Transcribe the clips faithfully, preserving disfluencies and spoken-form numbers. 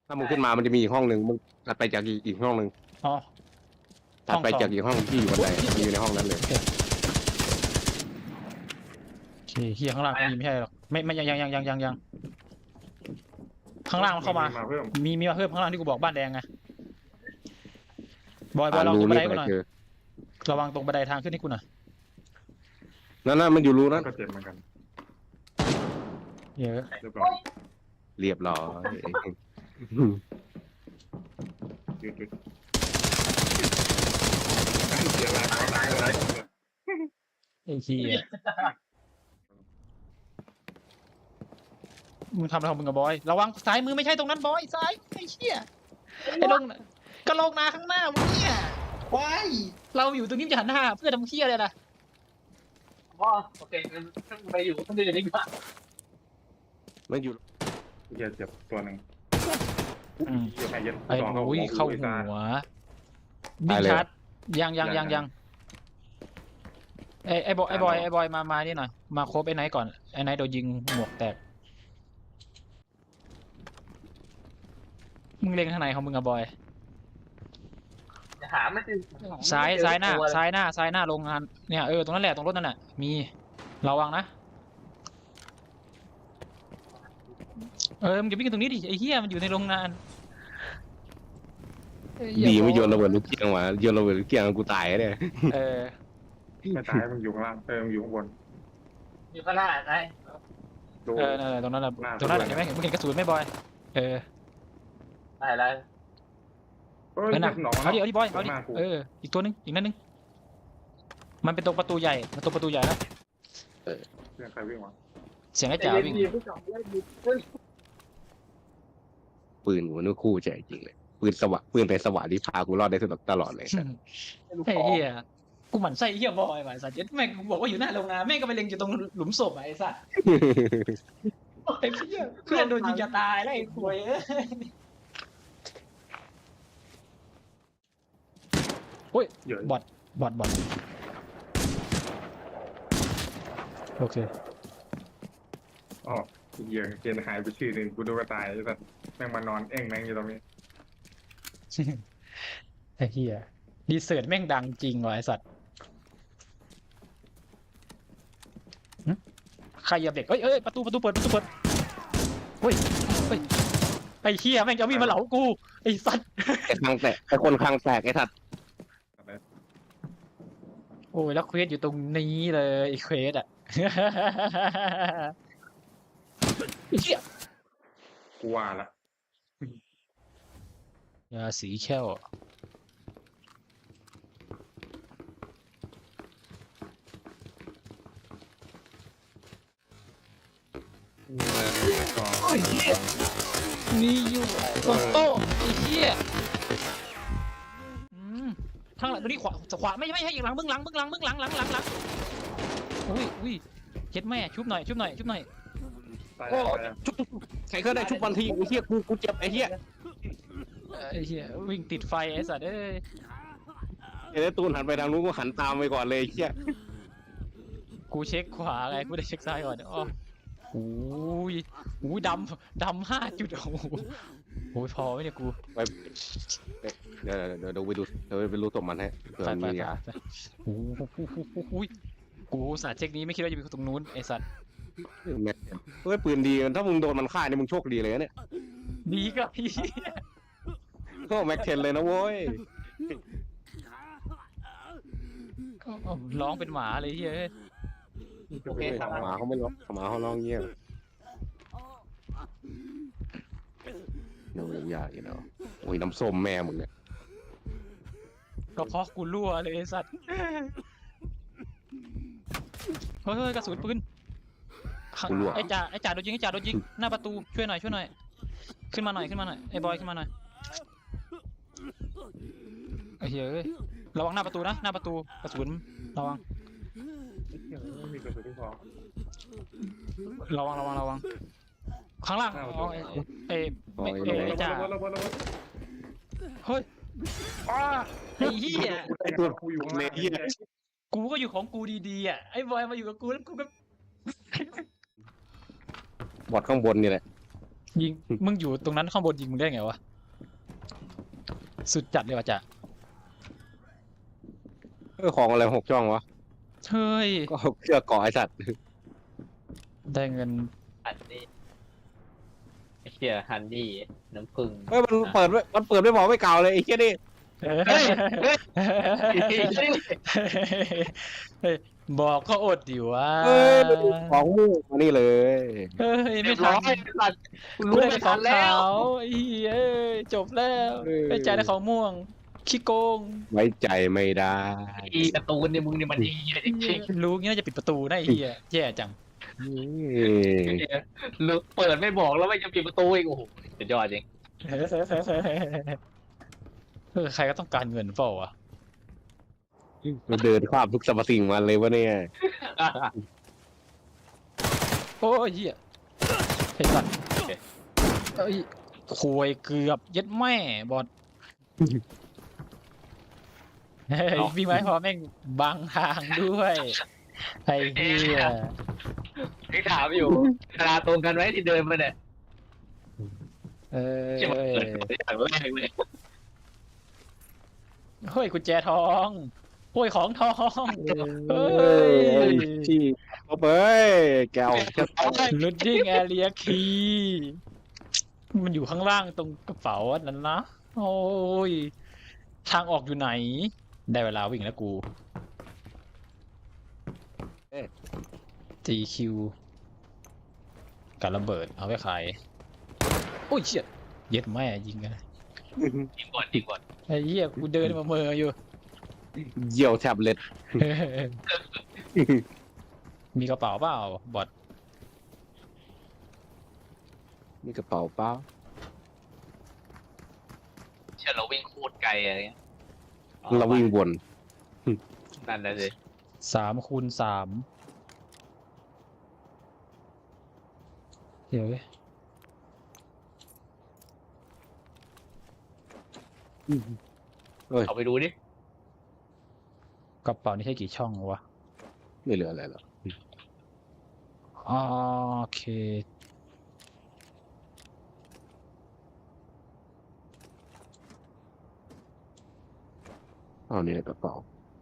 ถ้ามึงขึ้นมามันจะมีอีกห้องหนึ่งมึงถัดไปจากอีกอีกห้องหนึ่งอ๋อถัดไปจากอีกห้องที่อยู่บันไดมันอยู่ในห้องนั้นเลยโอเคเฮียข้างล่างมีไม่ใช่หรอกไม่ไม่ยังยังยังยังยังยังข้างล่างมันเข้ามาเพิ่มมีมีมาเพิ่มข้างล่างที่กูบอกบ้านแดงไงบอยบออ่ายลองรูตรงบันนี่ไดกูไปหน่อยเจอระวังตรงบันไดทางขึ้นให้กูหน่อยนั่นน่ะมันอยู่รูนั้นก็เจ็บเหมือนกันเยอะเรียบร้อยเรียบร้อยหยุดหยุดเสียหลักตายเลยไอ้เฮียมึงทำอะไรของมึงกับบอยระวังซ้ายมือไม่ใช่ตรงนั้นบอยซ้ายไอ้เฮียไอ้ลงน่ะก็ลงนาข้างหน้ามึงเนี่ยว้ายเราอยู่ตรงนี้จะหันหน้าเพื่อทำเฮียเลยนะอ๋อโอเคงั้นไปอยู่คนอื่นดีกว่ามันอยู่เจ็บเจ็บตัวหนึ่งอืมเจ็บไอ้ยันไอ้สองโอ้ยเข้าหัวบินชาร์จยังยังยังยังไอ้ไอ้บอยไอ้บอยไอ้บอยมามานี่หน่อยมาครบไอ้ไนท์ก่อนไอ้ไนท์โดนยิงหมวกแตกมึงเล็งทางไหนของมึงอะบอยจะหาไม่เจอซ้ายซ้ายหน้าตัวเลยซ้ายหน้าซ้ายหน้าโรงงานเนี่ยเออตรงนั้นแหละตรงรถนั่นแหละมีระวังนะเออมึงอย่าวิ่งกันตรงนี้ดิไอ้เหี้ยมันอยู่ในโรงงานเอ้ยดีอาไม่โยนบระเบิดลูกเกียงมาโยนระเบิดลูกเกียงกูตายเนี่ยเออไม่ตายมันอยู่ข้างล่างเออมันอยู่ข้างบนอยู่ข้างหน้าไงดูเออนั่นแหละตรงนั้นแหละหน้าตรงนั้นแหละตรเห็งนนั้นไหมมึงเห็นกระสุนไหมบอยเออได้แล้วเฮ้ยเออน่ะหนองเอาดิเอาดิบอยเอาดิหน้กูเอออีกตัวนึงอีกนั่นนึงมันเป็นตรงประตูใหญ่มันตรงประตูใหญ่แล้วเสียงใครวิ่งวะเสียงไอ้จ๋าวิ่งดีผู้สองได้ดีเฮ้ยปืนกูนึกคู่ใจจริงเลยปืนสวะปืนไปสวะที่พากูรอดได้ตลอดเลยลูกไอ้คอเหี้ยกูหมั่นไส้ไอ้เหี้ยบอยว่ะไอ้สัตว์เจ็ดแม่งกูบอกว่าอยู่หน้าโรงงานแม่งก็ไปเล็งอยู่ตรงหลุมศพอ่ะไอ้สัตว์ไอ้เหี้ยเพื่อนโดนยิงจะตายแล้วไอ้ควยเอ้ยเยอะบอดบอดบอดโอเคอ๋อเหี้ยเกณฑ์หายไปชื่อหนึ่งกูดูกระตายแต่แม่งมานอนเอ้งแม่งอยู่ตรงนี้ไอ้เหี้ยดีเซิร์ตแม่งดังจริงว่ะไอ้สัตว์หึใครเหยียบเด็กเอ้ยเอ้ยประตูประตูเปิดประตูเปิดเฮ้ยเฮ้ยไอ้เหี้ยแม่งจะเอามีดมาเหลากูไอ้สัตว์ไอ้คางแตกไอ้คนคางแตกไอ้ทัดโอ้ยแล้วเควสอยู่ตรงนี้เลยไอ้เควสอ่ะ ไอ้เหี้ยกูว่าละยาสีแค่วก็มีอยู่บนโต๊ะไอ้เหี้ยอืมข้างหลังตัวนี้ขวาขวาไม่ไม่ใช่อีกหลังเบื้องหลังเบื้องหลังเบื้องหลังหลังหลังหลังอุ้ยอุ้ยเช็ดแม่ชุบหน่อยชุบหน่อยชุบหน่อยตายโอ้แล้วชุบใครก็ได้ชุบวันทีไอ้เหี้ยกูกูเจ็บไอ้เหี้ยไอ้เหี้ยวิ่งติดไฟไอ้สัตว์เอ้ยไอ้ตูนหันไปทางนู้นกูหันตามไปก่อนเลยไอ้เหี้ยกูเช็คขวาไงกูได้เช็คซ้ายก่อนอ๋อโอ้ยโอ้ยดำดำห้าจุดโอ้โหโอ้ยพอไหมเนี่ยกูไปเดี๋ยวเดี๋ยวเดี๋ยวไปดูเดี๋ยวไปรู้ตัวมันให้เผื่อไปมันไปมีไปยาไปโอ้โหกูกูสาเช็คนี้ไม่คิดว่าจะมีตรงนู้นไอ้สัตว์แม็กเฮ้ยปืนดีถ้ามึงโดนมันฆ่าเนี่ยมึงโชคดีเลยนะเนี่ยดีก็พี่ก็แม็กเทนเลยนะโว้ยร้องเป็นหมาเลยเฮ้ยโอเคครับหมาเขาไม่ร้องหมาเขาร้องเงี้ยโน้ยยากอยู่เนาะโอ้ยน้ำส้มแม่มึงเนี่ยก็เพราะกูรั่วเลยไอ้สัตว์เฮ้ยเฮ้ยกระสุนปืนข้างไอ้จ่าไอ้จ่าโดนยิงไอ้จ่าโดนยิงหน้าประตูช่วยหน่อยช่วยหน่อยขึ้นมาหน่อยขึ้นมาหน่อยไอ้บอยขึ้นมาหน่อยไอ้เหี้ยเอ้ยระวังหน้าประตูนะหน้าประตูกระสุนระวังไม่มีกระสุนที่พอระวังระวังระวังข้างล่างอ๋อไอ้ไอ้ไอ้ไอ้ไอ้จ่าระเบิดระเบิดระเบิดเฮ้ยอ้าไอ้เหี้ยไอ้ตัวกูอยู่ข้างเลล่างยเหี้ยกูก็อยู่ของกูดีๆอ่ะไอ้บอยมาอยู่กับกูแล้วกูก็บอดข้างบนนี่แหละยิงมึงอยู่ตรงนั้นข้างบนยิงมึงได้ไงวะสุดจัดเลยว่ะจ๊ะเออของอะไรหกช่องวะเฮ้ยก็เชือกเกาะไอสัตว์ได้เงินฮันนี่ไอ้เชี่ยฮันนี่น้ำผึ้งเฮ้ยมันเปิดไม่มันเปิดไม่พอไม่เก่าเลยไอ้เหี้ยนี่เฮ้ยเฮ้ยบอกก็อดดิวะเฮ้ยของมูกมานี่เลยเฮ้ยเรีไม่ยบร้ทัอน ยสัตว์กูกูรู้ได้ไม่แต่ขทัอน งแล้ขาว วไอ้เหี้ยเอ้ยจบแล้วไอ้ใจได้ของม่วงขี้โกงไว้ใจไม่ได้อีการ์ตูนเนี่ยมึงเนี่ยมันดีจริงรู้งี้น่าจะปิดประตูนะไอ้เหี้ยแย่จังนี่ๆหรือเปิดไม่บอกแล้วไม่จะปิดประตูอีกโอ้โหสุดยอดจริงเออใครก็ต้องการเงินเปล่าวะมันเดินข้ามทุกสรรพสิ่งมาเลยวะเนี่ยโอ้ยเหี้ยไอ้สัตว์เอ้ยควยเกือบยัดแม่บอดเฮ้ยวิ่งไว้พอแม่งบังทางด้วยไอ้เหี้ยที่ถามอยู่เวลาตรงกันไว้ที่เดินมาเนี่ยเอ้ใช่ไหมยเปิดอย่างแรกเลยเฮ้ยกุญแจทองโอ้ยของทองเฮ้ยที่เอาไปแกวแค่ลูดดิ้งแอเรียคีมันอยู่ข้างล่างตรงกระเป๋าอันนั้นนะ โอ้ย ทางออกอยู่ไหน ได้เวลาวิ่งแล้วกูจีคิวกับระเบิดเอาไว้ขายโอ้ยเชี่ยเย็ดแม่ยิงกันจริงก่อนจริงก่อนไอ้เหี้ยกูเดินมาเมออยู่เยี่ยวแท็บเล็ตมีกระเป๋าเปล่าบอดนี่กระเป๋าเปล่าเชื่อเราวิ่งโคตรไกลอะไรเงี้ยเราวิ่งวนนั่นนะสิสามคูณสามเดี๋ยวเว้ยเอาไปดูดิกระเป๋านี่ใช่กี่ช่องวะไม่เหลืออะไรหรอกโอเคเอานี่ในกระเป๋า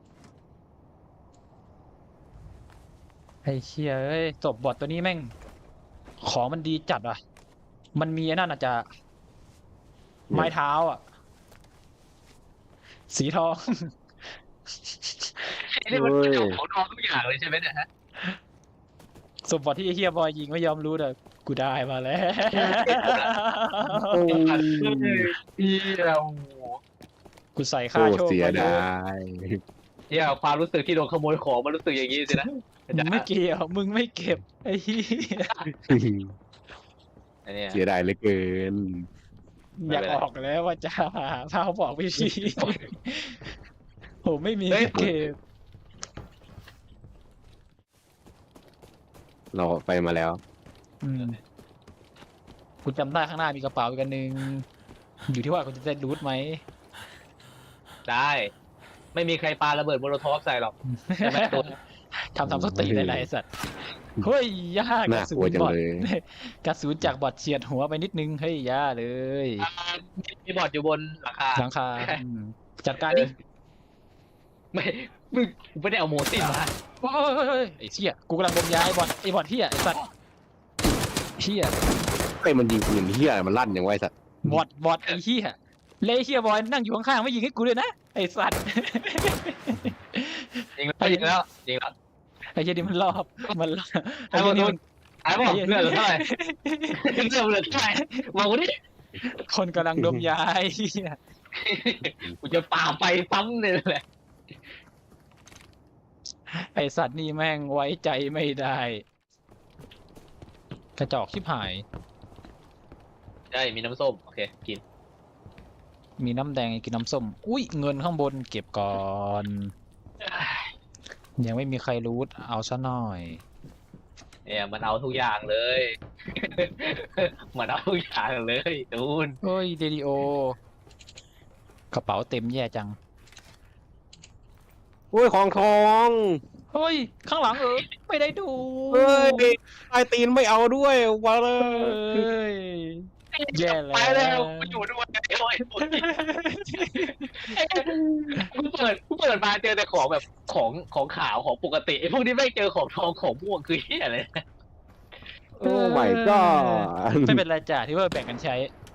ไอ้เชี่ยเอ้ยจบบอทตัวนี้แม่ง ของมันดีจัดอ่ะ มันมีไอ้นั่นอาจจะ ไม้เท้าอ่ะ สีทองนี่มันเป็นเจ้าของทองทุกอย่างเลยใช่ไหมเนี่ยฮะสมบัติที่ไอ้เฮียบอยยิงไม่ยอมรู้เลยกูได้มาแล้วพี่เรากูใส่โคค่าตโชรคเสียมาเยดาอะยเที่ยความรู้สึกที่โดนขโมยของมันรู้สึกอย่างนี้สินะมึงไม่เกี่ยว มึงไม่เก็บ ไอ้เฮียอันเนี้ยเสียดายเหลือเกินอยากออกแล้วว่าจะพาบอกวิธีผมไม่มีที่เก็บเราไปมาแล้วอืมคุณจำได้ข้างหน้ามีกระเป๋าอีกอันหนึ่งอยู่ที่ว่าคุณจะได้รูทไหมได้ ไม่มีใครปาระเบิดโมโลทอฟใส่หรอก ใช่ไหมตัวทำทำสติเลยนะไอ้สัตว์เฮ้ยย่ากระน่าสุกลัวน จังบอดเลยกระสุนจากบอดเฉียดหัวไปนิดนึงเฮ้ยย่าเลยอ่ามีบอร์ดอยู่บนหลังคาหลังคาอืมจัดการดิไม่มึงกูไม่ได้เอาโมตินมาโอ้ยเฮ้ยเฮ้ยไอ้เชี่ยกูกำลังดมยาไอ้บอดไอ้บอดเฮียไอ้สัตว์เฮียไอ้ยมันยิงปืนเฮียมันลั่นอย่างไวสัตว์บอดบอดไอ้เฮียเลยเฮียบอยนั่งอยู่ข้างๆไม่ยิงให้กูเลยนะไอ้สัตว์จริงแล้วจริงแล้วจริงแล้วไอ้เฮียนี่มันรอบมันรอบไอ้ไอ้บเฮีอย ลนี่มันไอ้บอกเลือดเหลือเท่าไหร่เลือดเหลือเท่าไหร่บอกกูดิคนกำลังดมยาไอ้เฮียกูจะป่าไปซ้ำเลยแหละไอสัตว์นี่แม่งไว้ใจไม่ได้ กระจอกชิบหายใช่มีน้ำส้มโอเคกินมีน้ำแดงกินน้ำส้ม อุ้ยเงินข้างบนเก็บก่อน ยังไม่มีใครรู้เอาซะหน่อยเนี่ยมันเอาทุกอย่างเลย มันเอาทุกอย่างเลยตูนเฮ้ยเรดิโอ กระเป๋าเต็มแย่จังโอ้โอ้ยของทองเฮ้ยข้างหลังเออไม่ได้ดูเฮ้ยไอตีนไม่เอาด้วยวะเลเฮ้ยย แย่แล้วไปแล้วกูอยู่ด้วยโอ้ยกูเปิดกูเปิดมาเจอแต่ของแบบของของขาวของปกติไอ้พวกนี้ไม่เจอของทองของม่วงคือเหี้ยอะไรโอ้ my god ไม่เป็นไรจ่าที่ว่าแบ่งกันใช้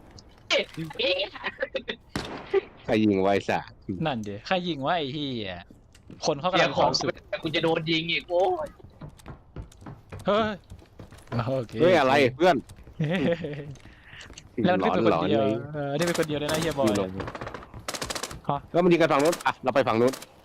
ใครยิงไว้สะนั่นเดี๋ยวใครยิงว่าไอ้ที่คนเขากำเสีลัยงขคอวาง มสุขกูจะโดนยิงอีกโอ้ยเฮ้ยโอเคเฮ้ยอะไรเพื่อนแล้วมันขึ้นเป็นหลคอนนเดียวเลยเออนี่เป็นคนเดียวเลยนะเฮียบอยแล้วมันยิงกันฝั่งนู้นอ่ะเราไปฝั่งนู้น